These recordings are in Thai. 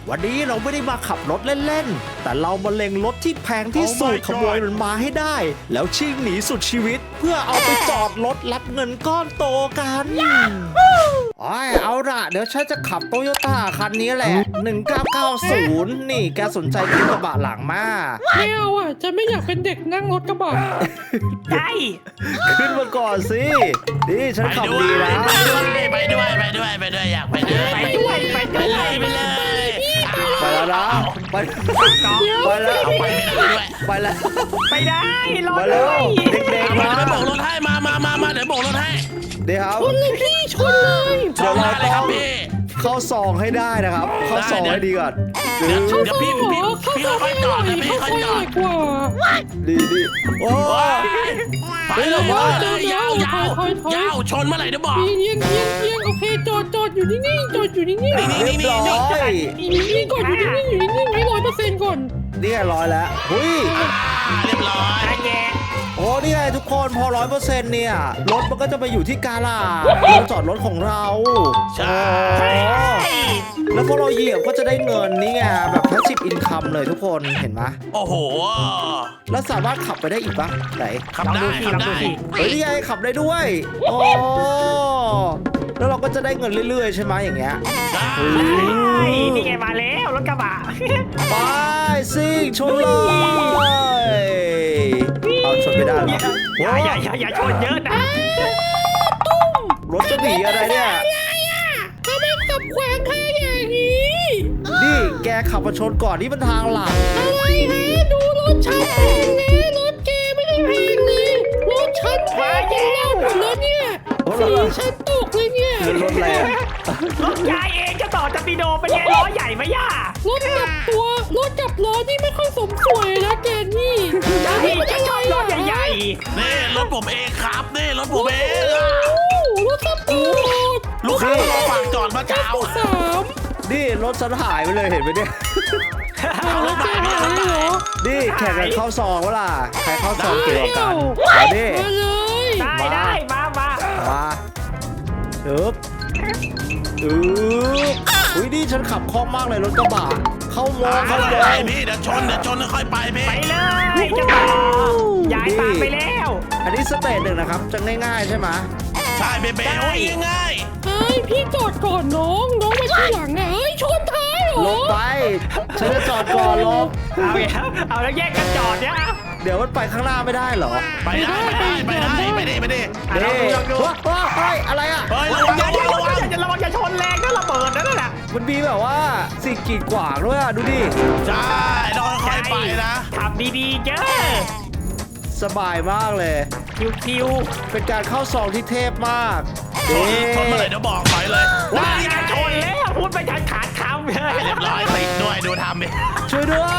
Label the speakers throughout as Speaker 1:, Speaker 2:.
Speaker 1: วันนี้เราไม่ได้มาขับรถเล่นๆแต่เรามาเล็งรถที่แพงที่สุด
Speaker 2: Oh my
Speaker 1: ขโมยมันมาให้ได้ แล้วชิ่งหนีสุดชีวิต เพื่อเอาไปจอดรถรับเงินก้อนโตกันเอาล่ะเดี๋ยวฉันจะขับโตโยต้าคันนี้แหละ1990นี่แกสนใจขึ้นกระบะหลังมา
Speaker 3: ไม่เอาอ่ะจะไม่อยากเป็นเด็กนั่งรถกระบะ
Speaker 4: ใช่
Speaker 1: ขึ้นมาก่อนสินี่ฉันขับดีแล้ว
Speaker 2: ไปด้วยอยากไปด้วย
Speaker 4: ไปด้วย
Speaker 2: ไปเลย
Speaker 1: ไปแล้วนะไปแล้ว
Speaker 2: เอาไปไม่ได้ด้วย
Speaker 1: ไปแล้ว
Speaker 4: ไปได้รอ
Speaker 1: มา
Speaker 4: ด้
Speaker 1: แล้ว
Speaker 4: วย
Speaker 1: เด็กๆ
Speaker 2: มา
Speaker 1: มา
Speaker 2: เดี๋ยวโบกรถให้มาเดี๋ยวโบกรถให้
Speaker 1: เดี๋ยวครับ
Speaker 3: ชนเลยพี่ชนเลย
Speaker 2: ชอบมาเลยครับพี่
Speaker 1: เข้าซองให้ได้นะครับ เข้าซองให้ดีก่อน
Speaker 2: เดี๋ยวพี่ค่อยจอดนะพี่ค่อยจอด
Speaker 3: กว่า
Speaker 1: ดีโอ้
Speaker 2: ไปเลยยาวชนเมื่อไหร่เดี๋ยวบอก
Speaker 3: เยี่ยงโอเคจอดอยู่นิ่งๆจอดอยู่นิ่งๆ
Speaker 1: เรียบร้อย
Speaker 3: นิ่งๆก่อนอยู่นิ่งๆให้100%ก่อน
Speaker 1: นี่ไงร้อยแล้วหุย
Speaker 2: เรียบร้อย
Speaker 4: แง่
Speaker 1: โอ้นี่ไงทุกคนพอ100%เนี่ยรถมันก็จะไปอยู่ที่กาลาเราจอดรถของเรา
Speaker 2: ใช่
Speaker 1: แล้วพอเราเหยียบก็จะได้เงินนี่ไงแบบpassive incomeเลยทุกคนเห็นไหม
Speaker 2: โอ้โห
Speaker 1: แล้วสามารถขับไปได้อีกปะไหน
Speaker 2: ขับได้
Speaker 1: เฮ้ยนี่ไงขับได้ด้วยโอ้แล้วเราก็จะได้เงินเรื่อยๆใช่ไหมอย่างเงี้ย
Speaker 4: นี่ไงมาแล้วรถกระบะ
Speaker 1: ไปซิ่งชนเลยเอาชนไม่ได้หรอ
Speaker 4: อย่าชนเยอะนะ
Speaker 1: รถจะหนีอะไรเนี่ย
Speaker 3: ถ้าไม่ขับขวางทางอย่างนี้
Speaker 1: นี่แกขับมาชนก่อนนี่มันทางหลัก
Speaker 3: อะไรฮะดูรถฉันแพงนะรถแกไม่ได้แพงเลยรถฉันแพงยังเล่าหมดแล้วเนี่ยสีฉันตกเลยเนี่ย
Speaker 1: คือรถอะไรอะ
Speaker 4: รถยายเองจะต่อจะปีโดเป็นไงล้อใหญ่ไหมย่าร
Speaker 3: ถกับล้อนี่ไม่ค่อยสมสวยนะแกนี่
Speaker 4: พี่จะชอบรถใหญ่
Speaker 2: นี่รถผมเองครับนี่รถผมเอง
Speaker 3: รถสปอร์ต
Speaker 2: ลูกค้ามาฝากจอดมาเช้า
Speaker 3: สาม
Speaker 1: นี่รถฉันหายไปเลยเห็นไหมเนี่ย
Speaker 2: เอารถไปพี่รถไป
Speaker 1: นี่แข่งกันเข้าซองวะล่ะใครเข้าซองเกี่ยวกับกันเอาดิ
Speaker 3: มาเลย
Speaker 4: ๆได้มา
Speaker 1: มาอึ๊บอุ้ยนี่ฉันขับคล่องมากเลยรถกระบะเข้ามองเข้า
Speaker 2: ไป
Speaker 1: มอง
Speaker 2: พี่เดี๋ยวชนค่อยไปพี่
Speaker 4: ไปเลยจะต่อยายตามไปแล้ว
Speaker 1: อันนี้สเตจหนึ่งนะครับจะง่ายๆใช่ไหม
Speaker 2: ใช่เบโอ้ยง่าย
Speaker 3: เฮ้ยพี่จอดก่อนน้องมาที่หลังนะเฮ้ยชนท้ายเหร
Speaker 1: ล
Speaker 3: อบ
Speaker 1: ไปฉันจะจอดก่อนลบ
Speaker 4: เอาแล้วแยกกันจอดเนี่ย
Speaker 1: เดี๋ยวมันไปข้างหน้าไม่ได้เหรอ
Speaker 2: ไปได้ไปดิ
Speaker 4: ลองดู
Speaker 1: เฮ้ยอะไรอ่ะ
Speaker 2: เฮ้ยระวัง
Speaker 4: ระวังอย่าชนแรงนะระเบิดนั่นแหละ
Speaker 1: มันมีแบบว่าสิ่งกีดขวางด้วยอ่ะดูดิ
Speaker 2: ใช่ต้องค่อยไปนะ
Speaker 4: ขับดีๆเจ้า
Speaker 1: สบายมากเลย
Speaker 4: คิว
Speaker 1: เป็นการเข้าซองที่เทพมาก
Speaker 2: ชนเมื่อไหร่เดี๋ยวบอกถอยเลย
Speaker 4: ว้าอย่าชนแล้วพูดไปขาดคำเลย
Speaker 2: เรียบร้อยติดด้วยดูทำดิ
Speaker 1: ช่วยด้วย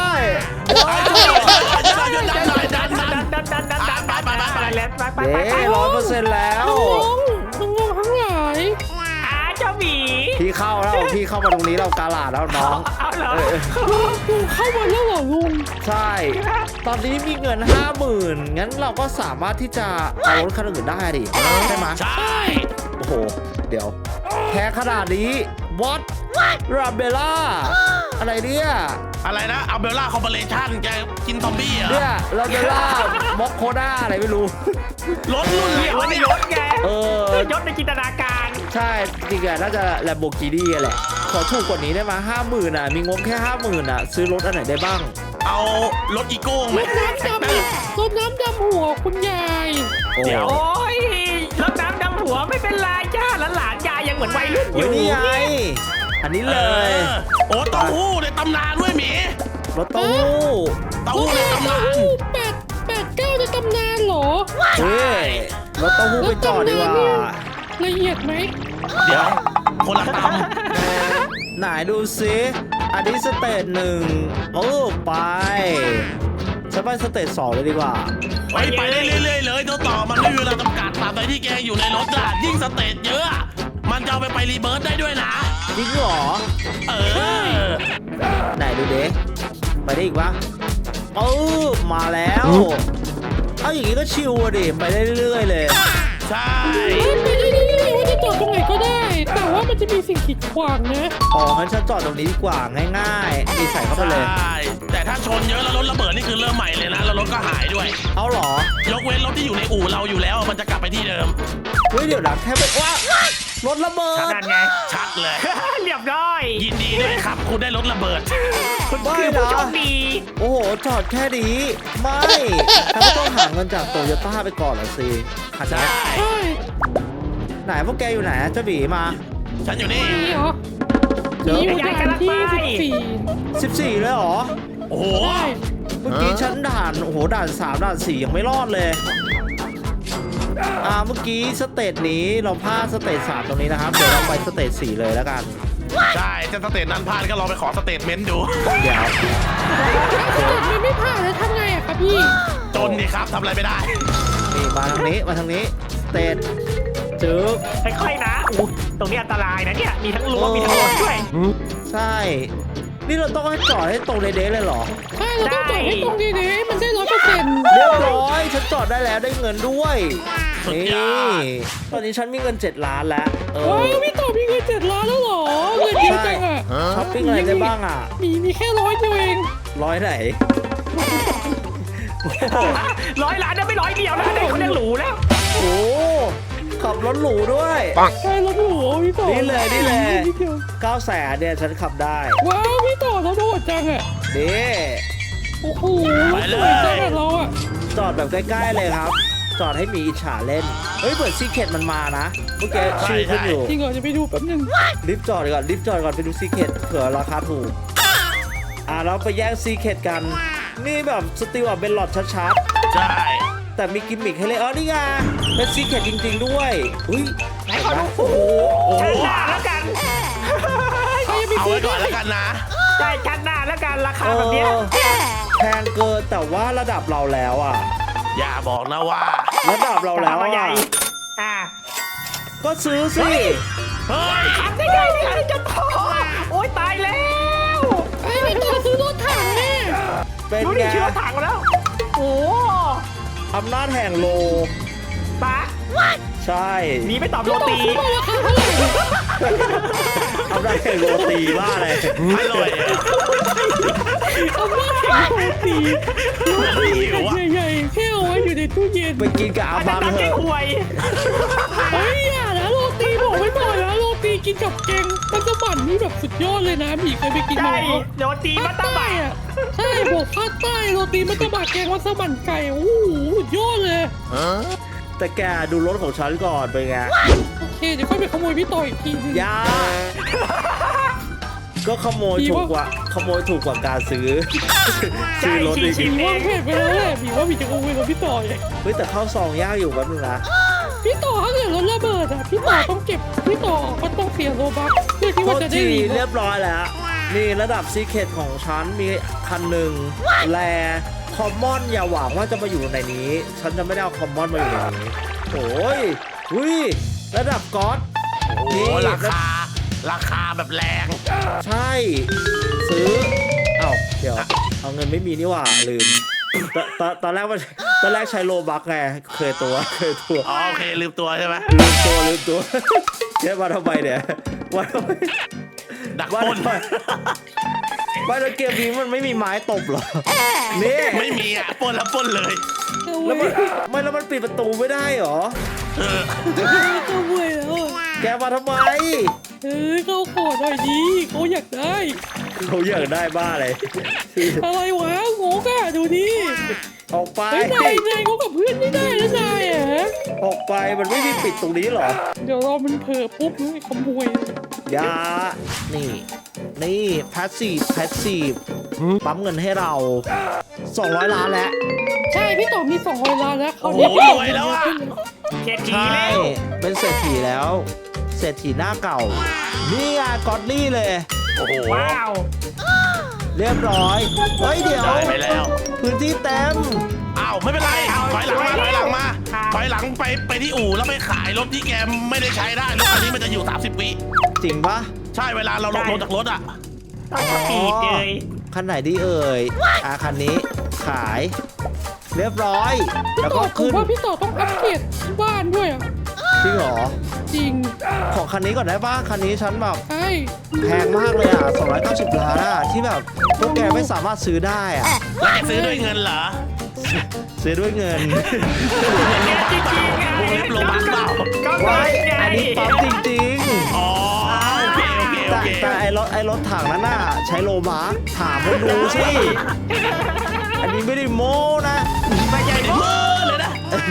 Speaker 4: ไป
Speaker 1: เย้100%แล้ว
Speaker 3: น้องทั้งหลาย
Speaker 4: เจ้าหมี
Speaker 1: พี่เข้าแล้วพี่เข้ามาตรงนี้เรากาลาดแล้วน้อง
Speaker 4: เอาเหรอ
Speaker 3: ลุงเข้ามาแล้วเหรอลุง
Speaker 1: ใช่ ตอนนี้มีเงิน 50,000งั้นเราก็สามารถที่จะเอารถคันอื่นได้ดิใช่ไหม
Speaker 2: ใช่
Speaker 1: โอ้โห เดี๋ยวแพ้ขนาดนี้ what ราเบล่าอะไรเนี่ย
Speaker 2: อะไรนะเอาเบลล่าคอร์ปอเรชั่นจะกินซอมบี้เหรอ
Speaker 1: เนี่ยราเบล่าม็อกโคด้าอะไรไม่รู้
Speaker 2: รถรุ่นไหน
Speaker 4: เดี๋ยว
Speaker 2: วะ
Speaker 4: ใน
Speaker 2: เนี่ย
Speaker 4: รถไง
Speaker 1: ย
Speaker 4: ศในจินตนาการ
Speaker 1: ใช่จริงๆน่าจะแลมโบกินี่แหละ ขอถูกกว่านี้ได้ไหม50,000อ่ะ มีงบแค่ 50,000อ่ะ ซื้อรถอันไหนได้บ้าง
Speaker 2: เอารถอีโก้ไหม
Speaker 3: รถน้ำดำหัวคุณยาย
Speaker 1: โอ้
Speaker 2: เดี๋ยว
Speaker 4: โอ้ยรถน้ำดำหัวไม่เป็นไรจ้าหลานยายยังเหมือนวัยรุ่นอ
Speaker 1: เฮ้ย
Speaker 4: ยู่
Speaker 1: นี่ไง อันนี้เลย
Speaker 2: โอ้เต้าหู้ในตำนานด้วยหมี
Speaker 1: รถเต้าหู้
Speaker 2: เต้าหู้ในตำนาน
Speaker 3: 89ในตำนานเหรอ
Speaker 1: เฮ้ยรถเต้าหู้ไปจอดดีกว่า
Speaker 3: ละเอียดไหม
Speaker 2: เดี๋ยวคนละต
Speaker 1: ไหนดูซิอันนี้สเตจหนึ่งไปฉันไปสเตจ2เลยดีกว่า
Speaker 2: ำไปได้เรื่อยๆเลยตัวต่อมันไม่มีเวลาจำกัดตามใดที่แกอยู่ในรถอะยิ่งสเตจเยอะอะมันจะเอาไปรีเบิร์ตได้ด้วยนะ
Speaker 1: จริงเหรอ
Speaker 2: เออ
Speaker 1: ไหนดูเด็ไปได้อีกปะมาแล้ว เอาอย่างนี้ก็ชิวอะดิ ไปได้เรื่อยๆเลย
Speaker 2: ใช่
Speaker 3: ไปเรื่อยๆว่าจะจอดตรงไหนก็ได้ แต่ว่ามันจะมีสิ่งขีดขวางนะ
Speaker 1: อ๋องั้นฉันจอดตรงนี้ดีกว่าง่ายๆนี่ใส่เข้าไปเลย
Speaker 2: ใช่แต่ถ้าชนเยอะแล้วรถระเบิดนี่คือเริ่มใหม่เลยนะแล้วรถก็หายด้วย
Speaker 1: เอาเหรอย
Speaker 2: กเว้นรถที่อยู่ในอู่เราอยู่แล้วมันจะกลับไปที่เดิม
Speaker 1: เฮ้ยเดี๋ยวนะแค่ไปว้ารถระเบิด
Speaker 4: นั่นไง
Speaker 2: ชัดเลย
Speaker 4: เรียบร้อย
Speaker 2: ยินดีด้วยครับคุณได้รถระเบิด
Speaker 4: คุณ
Speaker 1: ไม่
Speaker 4: คือผู้
Speaker 1: นะ
Speaker 4: โชคดี
Speaker 1: โอ้โหจอดแค่นี้ไม่ฉันก็ต้องหาเงินจากโตโยต้าไปก่อนเหรอสิคัน
Speaker 2: ใช่
Speaker 1: นี้
Speaker 3: ใช่
Speaker 1: ไหนพวกแกอยู่ไหนเจ้าบีมา
Speaker 2: ฉันอยู่นี่
Speaker 3: นี่เหรอ
Speaker 1: เจอ
Speaker 3: นี่อยู่ด่านที่
Speaker 1: 14เลยเหรอ
Speaker 2: โอ้โห
Speaker 3: 14ใช่
Speaker 1: เมื่อกี้ฉันด่านโอ้โหด่าน3ด่าน4ยังไม่รอดเลยเมื่อกี้สเตจนี้เราพลาดสเตจ3ตรงนี้นะครับเดี๋ยวเราไปสเตจ4เลยแล้วกัน
Speaker 2: ใช่จะสเตทนั้นพลาดก็ลองไปขอสเตทเมนต์ดู
Speaker 1: เดี๋ยว
Speaker 3: มันไม่ผ่านแล้วทำไงอะครับพี่
Speaker 2: จนดีครับทำอะไรไม่ได้
Speaker 1: นี่มาทางนี้สเตจจึ๊บ
Speaker 4: ค่อยๆนะอู้ตรงนี้อันตรายนะเนี่ยมีทั้งรั้วมีทั้งรถด้วย
Speaker 1: ใช่ นี่เราต้องให้จอดให้ตรงเด๊ะๆเลยเหรอ
Speaker 3: ใช่เราต้องจอดให้ตรงนี้ๆมันได้100%
Speaker 1: เรียบร้อยฉันจอดได้แล้วได้เงินด้วย
Speaker 2: สุด
Speaker 1: นี่
Speaker 2: ยอด
Speaker 1: ตอนนี้ฉันมีเงิน7 ล้านแล้ว
Speaker 3: ว้าวพี่ต่อมีเงิน7 ล้านแล้วเหรอเงินเยอะจังอะ
Speaker 1: ช้อปปิ้งอะไรได้บ้างอ่ะ
Speaker 3: มีแค่100 เดียวเอง
Speaker 1: ร้อยไหน
Speaker 4: 100 ล้านนะไม่100 เดียวนะได้คนยังหรูแล้ว
Speaker 1: โอ้ขับรถหรูด้วย
Speaker 3: ใช่รถหรูพี่ต่อ
Speaker 1: นี่เลย
Speaker 3: ดเดียว
Speaker 1: 900,000เนี่ยฉันขับได้
Speaker 3: ว้าวพี่ต่อเราโดดจังอะ
Speaker 1: นี่
Speaker 3: โอ้โห
Speaker 2: ไปเลย
Speaker 3: สวยจังอะเราอะ
Speaker 1: จอดแบบใกล้ๆเลยครับ จอดให้มีอิจฉาเล่น เฮ้ยเปิดซีเคทมันมานะ เมื่อกี้ชื่อขึ้นอยู่
Speaker 3: จริงเหรอจะไปดูแป๊บนึง
Speaker 1: รีบจอดก่อนไปดูซีเคทเผื่อราคาถูก เราไปแย่งซีเคทกัน นี่แบบสติลอ่ะเป็นหลอดชัด
Speaker 2: ใช่
Speaker 1: ๆ แต่มีกิมมิคให้เลยนี่ไงเป็นซีเคทจริงๆด้วยอุ้ย
Speaker 4: ไหนขอดู
Speaker 1: โอ้โห
Speaker 4: ชั้นหน้าแล้วกัน
Speaker 3: ใครจะไป
Speaker 2: เอา
Speaker 3: ซื้
Speaker 2: ไว้
Speaker 3: อ
Speaker 2: ก่อน
Speaker 3: ได้
Speaker 2: แล้วกันนะ
Speaker 4: ใช่ชั้นหน้าแล้วกันราคาแบบเนี้ย
Speaker 1: แพงเกินแต่ว่าระดับเราแล้วอ่ะ
Speaker 2: อย่าบอกนะว่า
Speaker 1: ระดับเราแล้ว
Speaker 4: มาใหญ่
Speaker 1: อ่ะ
Speaker 4: อ่ะ
Speaker 1: ก็ซื้อสิ
Speaker 2: เฮ้ย
Speaker 4: ทำได้ไงเนี่ยจะพอโอ๊ยตายแล้ว
Speaker 3: ไอ้พี่ต่อซื้อรถถังแน่
Speaker 1: เป็น
Speaker 4: ดู
Speaker 1: ไง
Speaker 4: ดิชื่อรถถังมาแล้ว โอ้
Speaker 1: อำนาจแห่งโล
Speaker 4: ปะ
Speaker 1: ใช่
Speaker 4: หนีไปตอบโร
Speaker 3: พี่ต่อ
Speaker 4: ตี
Speaker 3: ซื้อมาราคาเท่าไหร่
Speaker 1: อำนาจแห่งโรตีบ้าเลย
Speaker 2: อร่อยอะ
Speaker 3: เอาว่าแข่งโรตี
Speaker 2: เหมือนหิวอะ
Speaker 3: ใหญ่ๆแค่เอาไว้อยู่ในตู้เย็น
Speaker 1: ไปกินกับอา
Speaker 4: อาจ
Speaker 1: บั
Speaker 4: จะ
Speaker 1: ง
Speaker 4: ตัก
Speaker 1: เถ
Speaker 4: แก้
Speaker 1: อะ
Speaker 4: หวย
Speaker 3: เฮ้ยอย่านะโรตีบอกไว้ก่อนนะโรตีกินกับแกงมัสมั่นนี่แบบสุดยอดเลยนะหมีเคยไปกิน
Speaker 4: ใช่
Speaker 3: มาแล้ว
Speaker 4: โรตีมั
Speaker 3: ภา
Speaker 4: ต
Speaker 3: ค
Speaker 4: ตา
Speaker 3: ใต้
Speaker 4: บะ
Speaker 3: อะใช่บอกภาคใต้โรตีมัสมั่นแกงมัสมั่นไก่โอ้โหสุดยอดเลย
Speaker 1: แต่แกดูรถของฉันก่อนเป็นไง
Speaker 3: โอเคเดี๋ยวค่อยไปขโมยพี่ต่ออีกทีนึง
Speaker 1: ยาก็ขโมยถูกกว่าการซื้อ ซื้อรถอีก
Speaker 3: หมีว่าแผนไปแล้วแหละหมีว่าหมีจะขโมยรถพี่ต่อเอง
Speaker 1: เฮ้ยแต่เข้าซองยากอยู่แป๊บนึงนะ
Speaker 3: พี่ต่อถ้าเกิดรถระเบิดอะพี่ต่อต้องเก็บพี่ต่อมันต้องเสียโลบัคเพื่อที่
Speaker 1: โท
Speaker 3: ว่า
Speaker 1: ษ
Speaker 3: จะได้
Speaker 1: ที
Speaker 3: หนี
Speaker 1: เรียบร้อยแล้ว นี่ระดับซีเคทของฉันมีคันหนึ่งแลคอมมอนอย่าหวังว่าจะมาอยู่ในนี้ ฉันจะไม่ได้เอาคอมมอนมาอยู่ในนี้โอ้ยอุ้ยระดับก๊อต
Speaker 2: โอ้โห
Speaker 1: นี่
Speaker 2: ราคาแบบแรง
Speaker 1: ใช่ ซื้อเอ้าเดี๋ยว เอาเงินไม่มีนี่หว่าลืมตอนแรกใช้โลบักไงเคยตัว
Speaker 2: อ๋อโอเคลืมตัวใช่ไหม
Speaker 1: ลืมตัว เจ๊มาทำไมเนี่ยว่าทำไม
Speaker 2: ดัก
Speaker 1: ว่า
Speaker 2: ปล้น
Speaker 1: ทำไมว่าแล้วเกมนี้มันไม่มีไม้ตบเหรอนี่
Speaker 2: ไม่มีอ่ะปล้นแล้วปล้นเลย
Speaker 3: เอา
Speaker 1: แล้ว
Speaker 3: ไว้
Speaker 1: มันแล้วมันปิดประตูไม่ได้เหรอ
Speaker 2: เออ
Speaker 3: เอาไว้แล้วอะ
Speaker 1: แกมาทำไม
Speaker 3: เฮ้ยเขาขอหน่อยดีเขาอยากได้
Speaker 1: เขาอยากได้บ้าเลย
Speaker 3: อะไรวะโง่กะดูดิ
Speaker 1: ออกไป
Speaker 3: เฮ้ยนายเขากับเพื่อนไม่ได้นะนายอะ
Speaker 1: ออกไปมันไม่มีปิดตรงนี้เหรอ
Speaker 3: เดี๋ยวเรามันเผลอปุ๊บนี่ขโมย
Speaker 1: ยานี่แพสซีฟปั๊มเงินให้เรา 200 ล้านแล้ว
Speaker 3: ใช่พี่ต่อมี200 ล้านแล้วเขา
Speaker 2: โอ้โห
Speaker 3: พี่ต่
Speaker 2: รวยแล้วอะ
Speaker 4: เศรษฐี
Speaker 1: ใช่
Speaker 4: แล้ว
Speaker 1: เป็นเศรษฐีแล้ว เศรษฐีหน้าเก่า นี่ไงกอดลี่เลย
Speaker 2: โอ้โห
Speaker 4: ว้าว
Speaker 1: เรียบร้อย เฮ้ยเดี๋ยว
Speaker 2: ได้ไปแล้ว
Speaker 1: พื้นที่เต็ม
Speaker 2: อ้าวไม่เป็นไรถอยหลังมาถอยหลังไปที่อู่แล้วไปขายรถที่แกไม่ได้ใช้ได้รถคันนี้มันจะอยู่30 วิ
Speaker 1: จริงปะ
Speaker 2: ใช่เวลาเราลงรถจากรถอ่ะ
Speaker 4: ต้องสปีดเลย
Speaker 1: คันไหนดีเอ่ยคันนี้ขาย เรียบร้อย
Speaker 3: พี่
Speaker 1: แล้ว
Speaker 3: ต่
Speaker 1: ก็
Speaker 3: อผม
Speaker 1: ขึ้น
Speaker 3: ว่าพี่ต่อต้องอัปเกรดบ้านด้วยอะ
Speaker 1: จริงเหรอ
Speaker 3: จริง
Speaker 1: ของคันนี้ก่อนได้ป่ะคันนี้ฉันแบบ
Speaker 3: ใช่
Speaker 1: แพงมากเลยอ่ะ290 ล้านอ่ะที่แบบพวกแกไม่สามารถซื้อได้อ่ะ
Speaker 2: แล้วจะซื้อด้วยเงินเหรอ
Speaker 1: ซื้อด้วยเงิน
Speaker 4: จริงๆไง
Speaker 2: วงเล็บโลบัคเปล่า
Speaker 4: ก็
Speaker 1: ไว้
Speaker 4: ไง
Speaker 1: อันนี้ปั๊มจริง
Speaker 2: อ๋อโอเคโอเค
Speaker 1: ๆ
Speaker 2: โอเค
Speaker 1: แต่ไอ้รถถังนั้นน่ะใช้โลมาร์คถามคนดูสิอันนี้ไม่ได้โม้นะ
Speaker 4: ไม่ใช่
Speaker 2: เมื่อเลยนะ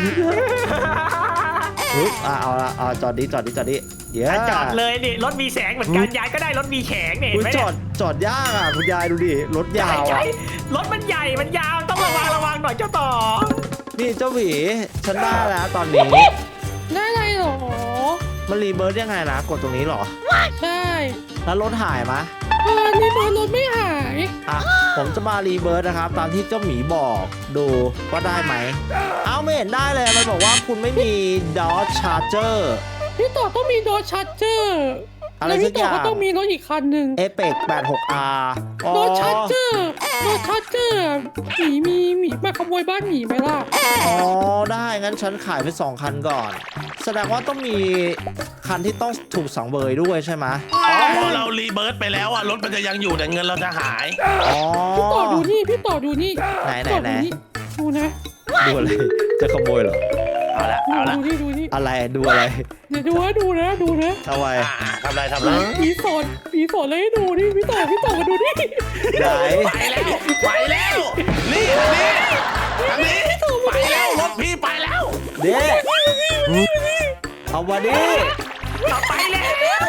Speaker 1: เอาจอดดิเดี๋ยว
Speaker 4: จอดเลยนี่รถมีแสงเหมือนกันยายก็ได้รถมีแสงเนี่ย
Speaker 1: อุ๊ย
Speaker 4: เห็นไหม
Speaker 1: จอดยากอ่ะคุณยายดูดิรถยาว
Speaker 4: ใช่
Speaker 1: อ่ะ
Speaker 4: รถมันใหญ่มันยาวต้องระวังหน่อยเจ้าต่อ
Speaker 1: นี่เจ้าหวีฉันได้แล้วตอนนี้
Speaker 3: ได้อะไรหรอ
Speaker 1: มันรีเบิร์ดยังไงนะกดตรงนี้เหรอ
Speaker 3: ใช่
Speaker 1: แล้วรถหายไหม
Speaker 3: นี่มันรถไม่หาย
Speaker 1: อ่ะผมจะมารีเบิร์ดนะครับตามที่เจ้าหมีบอกดูว่าได้ไหมเอาไม่เห็นได้เลยมันบอกว่าคุณไม่มี Dodge Charger
Speaker 3: พี่ต่อต้องมีโดชาร์เจอร์
Speaker 1: อะไร
Speaker 3: แล้ว
Speaker 1: สั
Speaker 3: พี่
Speaker 1: ก
Speaker 3: ต่
Speaker 1: อ
Speaker 3: อย่าง ก็ต้องมีรถอีกคันหนึ่ง
Speaker 1: Apex 86R อ๋อ
Speaker 3: โดชาร์เจอร์หมีมาขโมยบ้านหมีไหมล่ะ
Speaker 1: อ๋อได้งั้นฉันขายไป2 คันก่อน แสดงว่าต้องมีคันที่ต้องถูกสังเวยด้วยใช่ไหม
Speaker 2: อ๋อพอเรารีเบิร์ตไปแล้วอ่ะรถมันจะยังอยู่แต่เงินเราจะหาย
Speaker 1: อ๋อ
Speaker 3: พี่ต่อดูนี่พี่ต่อดูนี่
Speaker 1: ไหน
Speaker 3: พี่ต่อดูนี่ดูนะ
Speaker 1: ดูอะไรจะขโมยเหรอ
Speaker 2: เอาละเอาละ
Speaker 3: ดูนี่
Speaker 1: อะไรดูอะไร
Speaker 3: เดี๋ยวดูนะ
Speaker 1: ทำไม
Speaker 2: ทำไรทำไร
Speaker 3: ผีสอนเลยให้ดูนี่พี่ต่อมาดูนี่
Speaker 1: ไหน
Speaker 2: ไปแล้วนี่อันนี้ไปแล้วรถพี่ไปแล้ว
Speaker 1: เด็กเอามาดิ
Speaker 4: ต่อไปแล้ว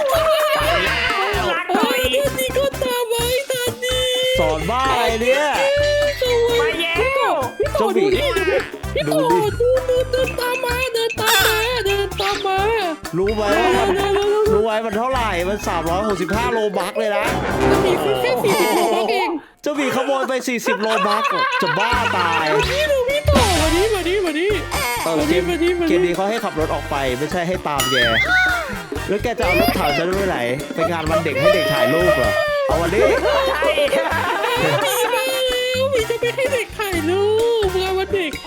Speaker 4: รักห
Speaker 3: โอ้
Speaker 4: น่อย
Speaker 3: ยนี่ก็ตามไว้ทันดี
Speaker 1: สอนบ้าอะไรเนี่ย
Speaker 4: ไปแย่ว
Speaker 3: พี่ต่อดูนี่พี่ต่อดูเดินตามมา
Speaker 1: รู้ไหมว่ามันรู้ไหมมันเท่าไหร่มัน365 โลบักเลยนะ
Speaker 3: จะมีแค่40โลบักเอง
Speaker 1: เจ้าหมีขโมยไป40 โลบักจะบ้าตาย
Speaker 3: ดูพี่ต่อมาดิ
Speaker 1: เกมนี้เขาให้ขับรถออกไปไม่ใช่ให้ตามแกแล้วแกจะเอารถถังฉันไปไหนไปงานวันเด็กให้เด็กถ่ายรูปเหรอเอาวันนี้
Speaker 4: ใช่
Speaker 3: มีมาแล้วมีจะไปให้เด็กถ่ายรูปเมื่อวันเด็ก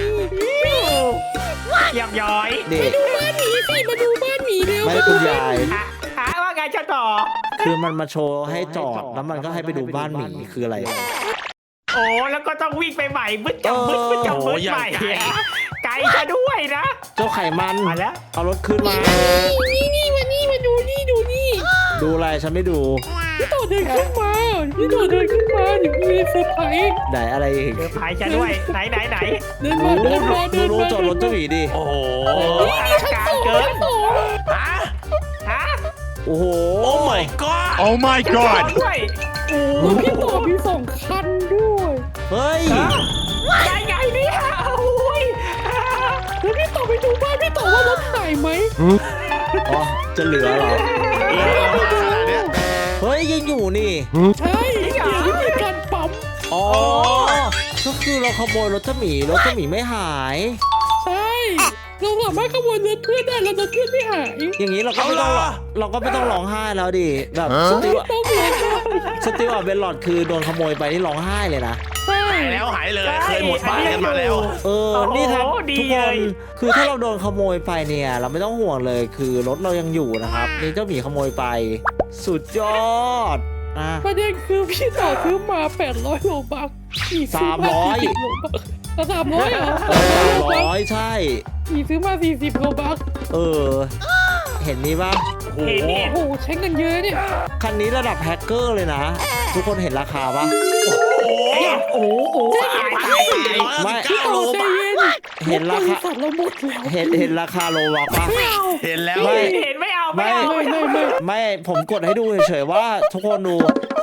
Speaker 4: หยอกย้อย
Speaker 1: เด็ก
Speaker 3: ดูบ้านหมีสิมาดูบ้านหมีเร็ว
Speaker 1: ไม่คุณยาย
Speaker 4: หาว่าไงเจ้าต่อ
Speaker 1: คือมันมาโชว์ให้จอดแล้วมันก็ให้ไปดูบ้านหมีคืออะไร
Speaker 4: โอ้แล้วก็ต้องวิ่งไปใหม่บึ้ดจับบึ้ดใหม่ไกลจะด้วยนะ
Speaker 1: เจ้าไขมัน
Speaker 4: มาแล้ว
Speaker 1: เอารถขึ้นมา
Speaker 3: นี่มาดูนี่
Speaker 1: ดูอะไรฉันไม่ดู
Speaker 3: พี่ต่อเดินขึ้นมาเดี๋ยวมีเซอร์ไพรส์
Speaker 1: ไหนอะไรอีก
Speaker 4: พายจะด้วยไหน
Speaker 3: เดินมา
Speaker 1: ดูจอดรถเจ้าหมีดิ
Speaker 2: โอ้โห
Speaker 3: นี่ชั้นสอง
Speaker 2: ฮะ
Speaker 4: ฮะ
Speaker 1: โอ้โห
Speaker 2: โอ้ my god
Speaker 5: Oh my god!
Speaker 4: ด้วย
Speaker 3: โอ้พี่ต่อมี2 คันด้วย
Speaker 1: เฮ้ย
Speaker 4: ได้ไงเนี่ยโอ้ย
Speaker 3: แล้วพี่ต่อไปดูบ้านพี่ต่อว่ารถหายไหม
Speaker 1: อ๋อจะเหลือเหรอ
Speaker 2: ขนาดเนี้ย
Speaker 1: เฮ้ยยังอยู่นี่
Speaker 3: ใช่เดี๋ยววิธีการปั๊ม
Speaker 1: อ๋อ ก็คือเราขโมยรถเจ้าหมีรถเจ้าหมีไม่หาย
Speaker 3: ใช่เราสามารถขโมยรถเพื่อนได้แล้วรถเพื่อนไม่หาย
Speaker 1: อย่างนี้เราก็ไม่ต้องร้องไห้แล้วดิแบบสติว
Speaker 3: ต้องเลย
Speaker 1: เป็นหลอดคือโดนขโมยไปที่ร้องไห้เลยนะ
Speaker 3: ใช่
Speaker 2: หายแล้วหายเลยเคยหมดบ้านกันมาแล้ว
Speaker 1: นี่ครับทุกคนคือถ้าเราโดนขโมยไปเนี่ย เราไม่ต้องห่วงเลยคือรถเรายังอยู่นะครับนี่เจ้าหมีขโมยไป สุดยอดอ่ะ
Speaker 3: ประเด็นคือพี่ต่อซื้อมา800 โลบักอีกซื้อมา40 โลบัก300เหรอ
Speaker 1: 300ใช่
Speaker 3: อีกซื้อมา40 โลบัก
Speaker 1: เออ เห็นนี่ป่ะ
Speaker 2: โอ้โห
Speaker 3: โอ้โหใช้เงินเยอะเนี่ย
Speaker 1: คันนี้ระดับแฮกเกอร์เลยนะ ทุกคนเห็นราคาป่ะ
Speaker 3: โอ้โห
Speaker 1: ไม่
Speaker 3: พี่ต่อใจเย็น
Speaker 1: เห็นราคา
Speaker 3: บษัทเราหมดแล้ว
Speaker 1: เห็นราคาโลบักป่ะ
Speaker 3: ไม่เอา
Speaker 2: เห็นแล้ว
Speaker 1: ไม่
Speaker 4: เห็นไม่เอา
Speaker 3: ไม่
Speaker 1: ผมกดให้ดูเฉยๆว่าทุกคนดู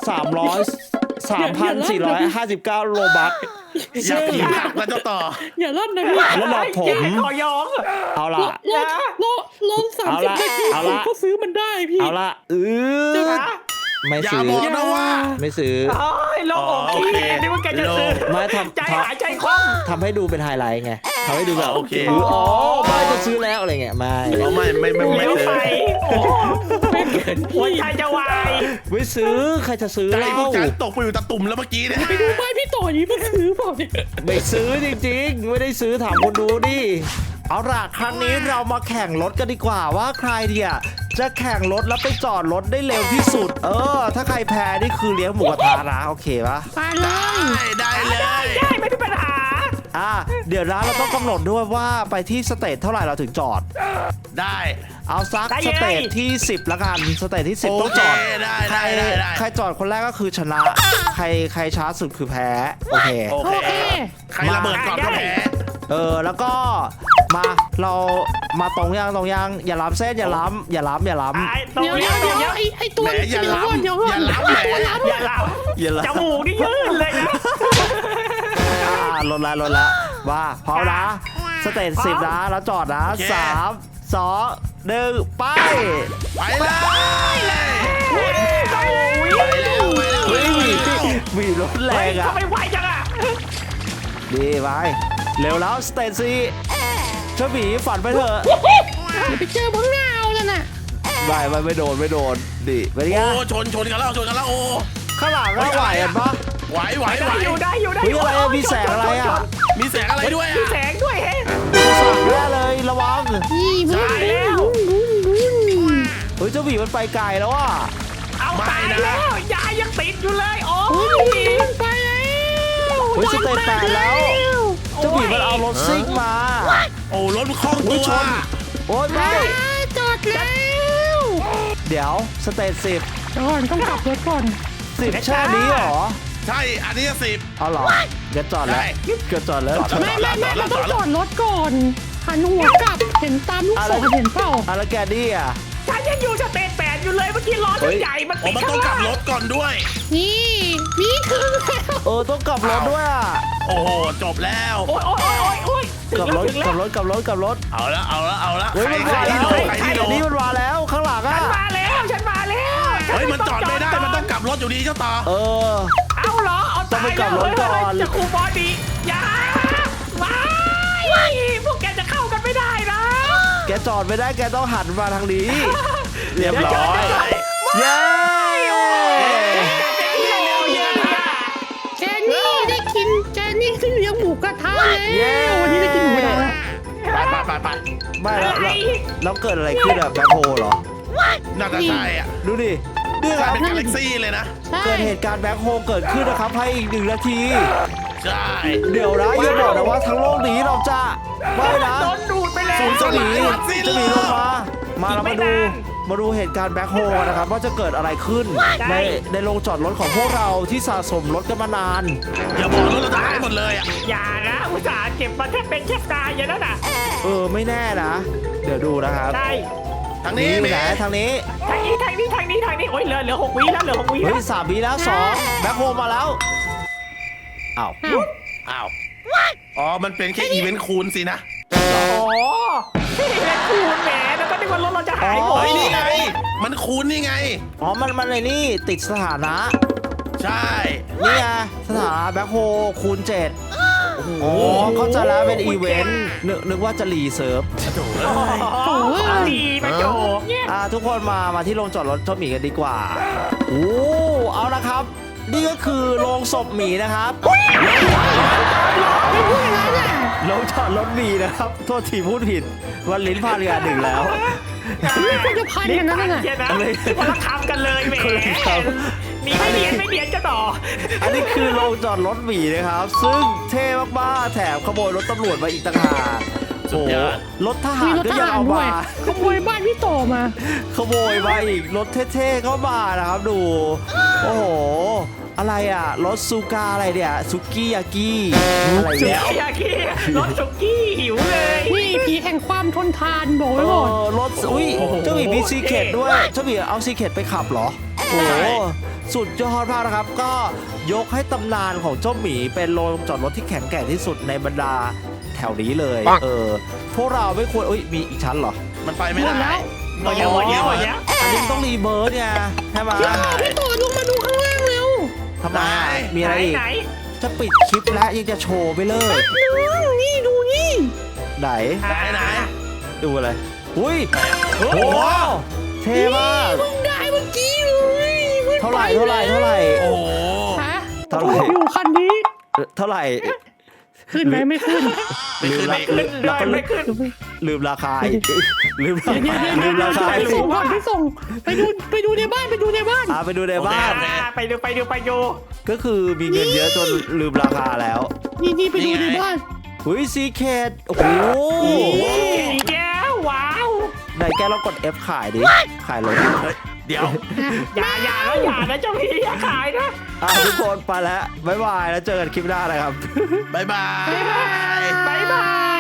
Speaker 1: 3,459 โลบัก
Speaker 2: อยากผีผักแล้วเจ้าต่อ
Speaker 3: อย่าลั่นนะพี่
Speaker 1: แล้วหลอกผม
Speaker 4: ขอยอง
Speaker 1: เอาล่ะ
Speaker 3: ลอง30 นาที
Speaker 1: เอา
Speaker 3: ผม
Speaker 1: ละ
Speaker 3: ก็ซื้อมันได้พี่
Speaker 1: เอาล่ะไม่
Speaker 2: อย่า
Speaker 1: ซื้อ
Speaker 2: บอกนะว่า
Speaker 1: ไม่ซื้อ
Speaker 4: โอ้ยโลงอกกี้นึกว่าแกจะซื้อ
Speaker 1: ไม่
Speaker 4: ใจหายใจคว่ำ
Speaker 1: ทำให้ดูเป็นไฮไลท์ไงทำให้ดูแบบ
Speaker 2: โอเค
Speaker 1: อ๋อไม่จะซื้อแล้วอะไรเงี้ยไม่
Speaker 2: เอาไม่
Speaker 4: เลี้ยว
Speaker 2: ซื้อ
Speaker 4: ไปโอ้
Speaker 3: ไม่เกิน
Speaker 4: หัว
Speaker 3: พี่
Speaker 4: ใจจะวาย
Speaker 1: ไม่ซื้อใครจะซื้อ
Speaker 2: ใจ
Speaker 1: เล่า
Speaker 2: พวกฉันตกไปอยู่ตะตุ่มแล้วเมื่อกี้เนี่ย
Speaker 3: ไปดูบ้านพี่ต่อนี้มันซื้อเปล่าเนี่ย
Speaker 1: ไม่ซื้อจริงๆไม่ได้ซื้อถามคนดูดิเอาล่ะครั้งนี้เรามาแข่งรถกันดีกว่าว่าใครเนี่ยจะแข่งรถแล้วไปจอดรถได้เร็วที่สุดถ้าใครแพ้นี่คือเลี้ยงหมูกระทะนะโอเคปะ
Speaker 3: ไปเลย
Speaker 2: ได้เลย
Speaker 4: ได้ไม่มีปัญหา
Speaker 1: เดี๋ยวนะเราต้องกำหนดด้วยว่าไปที่สเตจเท่าไหร่เราถึงจอด
Speaker 2: ได้
Speaker 1: เอาซักสเตจที่10ละกันสเตจที่10ต้องจอด
Speaker 2: ได้ได้
Speaker 1: ใครจอดคนแรกก็คือชนะใครช้าสุดคือแพ้โอเค
Speaker 2: โอ
Speaker 3: โอ
Speaker 2: เค
Speaker 3: เค
Speaker 2: ใครระเบิดก่อนก็แพ้
Speaker 1: แล้วก็มาเรามาตรงยังอย่าล้ำเส้นอย่าล้ำ
Speaker 3: เดี๋ยวไอ้ตัว
Speaker 2: แหมอย่าล้ำ
Speaker 3: เดี๋ยวก่อน
Speaker 2: อย่าล้ำแหม
Speaker 4: อย่าหลับจมูกนี่ยื่นเลยนะ
Speaker 1: ลดละว่าพร้อมนะสเตจ10นะแล้วจอดนะ3 2 1ไป
Speaker 2: ไปเลย
Speaker 1: เฮ้ยมีรถแรงอ่ะ
Speaker 4: ทำไมไวจังอ่ะ
Speaker 1: ดีไปเร็วแล้วสเตจ4เจ้าหมีฝันไปเถอะ
Speaker 3: อย่าไปเจอพังงาวนั่นน่ะ
Speaker 1: ไม่โดนดิเป็นไง
Speaker 2: โอ้ชนกันแล้วโอ้
Speaker 1: ข้างหลังก็ไหวอ่ะปะ
Speaker 2: ไหว
Speaker 4: ได้อยู่
Speaker 1: เฮ้ยอะไรมีแสงอะไรอ่ะ
Speaker 2: มีแสงอะไรด้วย
Speaker 4: มี
Speaker 2: อ่ะ
Speaker 4: แสงด้วยเฮ้
Speaker 1: สั่งแน่เลยระวัง
Speaker 3: นี่มึง
Speaker 1: เฮ้ยเจ้าหมีมันไปไกลแล้วอ่ะ
Speaker 4: เอาตายแล้วยายยังติดอยู่เลยโอ้
Speaker 3: โอ้ย
Speaker 4: ย
Speaker 3: มันไปแล้ว
Speaker 1: เฮ้ยสเตจ8แล้วเจ้าหมีมันเอารถซิ่งมา
Speaker 2: โอ้รถคล่องตัว
Speaker 1: โอ้ยไม่
Speaker 3: จอดแล้ว
Speaker 1: เดี๋ยวสเตจ10
Speaker 3: ก่อนต้องกลับรถก่อน
Speaker 1: 10แช่นี้เหรอ
Speaker 2: ใช่อันนี้10
Speaker 1: เอาเหรอเดี๋ยวจอดแล้วเกิดจอดแล้ว
Speaker 3: ไม่เราต้องจอดรถก่อนหันหัวกลับเห็นตามลูกศรเห็นเปล่า
Speaker 1: แล้วแกดี้อ่ะ
Speaker 4: ฉันยังอยู่สเตจ8อยู่เลยเมื่อกี้ล้อใหญ่มัน
Speaker 2: โอ้
Speaker 4: ติด
Speaker 2: มันต้องกลับรถก่อนด้วย
Speaker 3: นี่คือแล้ว
Speaker 1: ต้องกลับรถด้วยอ่ะ
Speaker 2: โอ้โหจบแล้ว
Speaker 4: โอ้ย
Speaker 1: กลับรถ
Speaker 2: เอาละ
Speaker 1: เฮ้ย
Speaker 2: ใคร
Speaker 1: มันมา
Speaker 2: ที่
Speaker 1: แล้ว
Speaker 2: โดนใครที่โดน
Speaker 1: นี่มันมาแล้วข้างหลังอ่ะ
Speaker 4: ฉันมาแล้ว
Speaker 2: เฮ้ยมันจอดไม่ได้มันต้องกลับรถอยู่ดีเจ้าต่อ
Speaker 4: เอาเหรอเอาตายจะคูบอดีอย่าไม่พวกแกจะเข้ากันไม่ได้นะ
Speaker 1: แกจอดไม่ได้แกต้องหันมาทางนี้ เรียบร้อยเย้
Speaker 3: แกนี่ได้กินแกนี่ได้เลี้ยงหมูกระทะแล้ววันนี้ได้กินหมูกระทะ
Speaker 2: ไป
Speaker 1: ไม่แล้วเกิดอะไรขึ้นอะแบ็คโฮเหรอ
Speaker 2: น่าจะใช่อ่ะ
Speaker 1: ดูดินี่ค
Speaker 2: กลาย
Speaker 1: รับ
Speaker 2: เป็นกาแล็กซี่เลยนะ
Speaker 1: เกิดเหตุการณ์แบ็คโฮเกิดขึ้นนะครับให้อีก1 นาที
Speaker 2: ใช่
Speaker 1: เดี๋ยวนะอย่าบอกนะว่าทั้งโลกนี้เราจะไม่นะ
Speaker 4: โดนดูดไปแล้ว
Speaker 1: เจ้าหมีลงมาเรามาดูเหตุการณ์แบ็คโฮกันนะครับว่าจะเกิดอะไรขึ้นในโรงจอดรถของพวกเราที่สะสมรถกันมานาน
Speaker 2: อย่าบอกรถเราจะหายหมดเลยอ่ะ
Speaker 4: อย่านะอุตส่าห์เก็บมาแทบเป็นแทบตายอย่างนั้นน่ะ
Speaker 1: ไม่แน่นะ เดี๋ยวดูนะครับ
Speaker 4: ใช่
Speaker 2: ทางนี้
Speaker 1: ไหนทางนี้
Speaker 4: ทางนี้โอ้ยเหลือ6 วิแล้วเหลือ6 วิ
Speaker 1: เฮ้
Speaker 4: แล้
Speaker 1: ยว 3 วิแล้ว2แบ็คโฮมาแล้วอ้าว
Speaker 2: อ้าวอ๋อมันเป็นแค่อีเวนต์คูณสินะ
Speaker 4: โอ้เป็นคูณแหมแล้วก็นึกว่ารถเราจะหายหมด
Speaker 2: เฮ้ยนี่ไงมันคูณนี่ไง
Speaker 1: มันในนี่ติดสถานะ
Speaker 2: ใช่
Speaker 1: นี่ไงสถานะแบ็คโฮคูณ7เขาจะแล้วเป็นอีเวนต์นึกว่าจะรีเซิร์ฟ
Speaker 4: ดีมาโจ
Speaker 1: ทุกคนมาที่โรงจอดรถเจ้าหมีกันดีกว่าเอาละครับ นี่ก็คือโรงศพหมีนะครับโรงจอดรถหมีนะครับโทษทีพูดผิดวันลิ้นพลาดกัน1แล้ว
Speaker 3: นี่คนจะพันกันนั่นน่ะ
Speaker 4: เชียนะคนละคำกันเลยแหมนี่ไม่เนียนจะต่อ
Speaker 1: อันนี้คือโรงจอดรถหมีนะครับ ซึ่งเท่มากๆแถมขโมยรถตำรวจมาอีกต่างหากโอ้รถทหารก็ยังเอามา
Speaker 3: ขโมยบ้านพี่โตมา
Speaker 1: ขโมยมาอีกรถเท่ๆเข้ามานะครับดูโอ้โหอะไรอ่ะรถซูกาอะไรเนี่ยซุกี้ยากิอะไรเนี่ย
Speaker 4: ยากี้รถสุกี้หิวเลย
Speaker 3: นี่ผีแห่งความทนทานบอกไว้ก่อน
Speaker 1: รถอุ้ยเจ้าหมีมีซีเคทด้วยเจ้าหมีเอาซีเคทไปขับเหรอโอ้โหสุดยอดมากนะครับก็ยกให้ตำนานของเจ้าหมีเป็นโรงจอดรถที่แข็งแกร่งที่สุดในบรรดาแถวนี้เลยพวกเราไม่ควรมีอีกชั้นเหรอ
Speaker 2: มันไปไม่ได้
Speaker 4: หมดแล้ว
Speaker 1: อันนี้ต้องรีเบิร์ดไงใช่ไหม
Speaker 3: พี่โตลงมาดูข้างล่างเร็ว
Speaker 1: ทำไมมีอะไรอีกจะปิดคลิปแล้วยังจะโชว์ไปเลย
Speaker 3: นี่ดูนี่
Speaker 1: ไหน
Speaker 2: ไหน
Speaker 1: ดูอะไรอุ้ยโอ้โหเท่มาก
Speaker 3: เพิ่งได้เมื่อกี้เลย
Speaker 1: เท่าไหร่
Speaker 2: โอ้โห
Speaker 3: ฮะ
Speaker 1: เท่าไหร่
Speaker 3: อยู่คันนี้
Speaker 1: เท่าไหร่
Speaker 3: ขึ้นไหมไม่ขึ้น
Speaker 2: ไม่ขึ้น
Speaker 1: ลื
Speaker 2: ไม่
Speaker 1: ม
Speaker 2: ขึ้น
Speaker 1: แล้วก็
Speaker 4: ไม่ขึ้น
Speaker 1: ลืมราคาอีกลืมรา
Speaker 3: เดี๋ยว
Speaker 1: คา
Speaker 3: เดี๋ยว
Speaker 1: ลืมราคา
Speaker 3: ไป
Speaker 1: อีก
Speaker 3: ส่งก่อนไปส่งไปดูในบ้านไปดูในบ้าน
Speaker 1: ไปดูในบ้าน
Speaker 4: ไปดู
Speaker 1: ก็คือมีเงินเยอะจนลืมราคาแล้ว
Speaker 3: นี่ไปดูในบ้าน
Speaker 1: หุ้ยซีเคดโอ้โห
Speaker 4: อีกแล้วว้าว
Speaker 1: ไหนแกลองกด F ขายดิขายรถ
Speaker 2: เฮ้ยเดี๋ยว
Speaker 4: อย่านะเจ้าพี่อย่าขายนะ
Speaker 1: ทุกคนไปแล้วบ๊ายบายแล้วเจอกันคลิปหน้านะครับ
Speaker 2: บ๊ายบาย
Speaker 4: บ๊ายบาย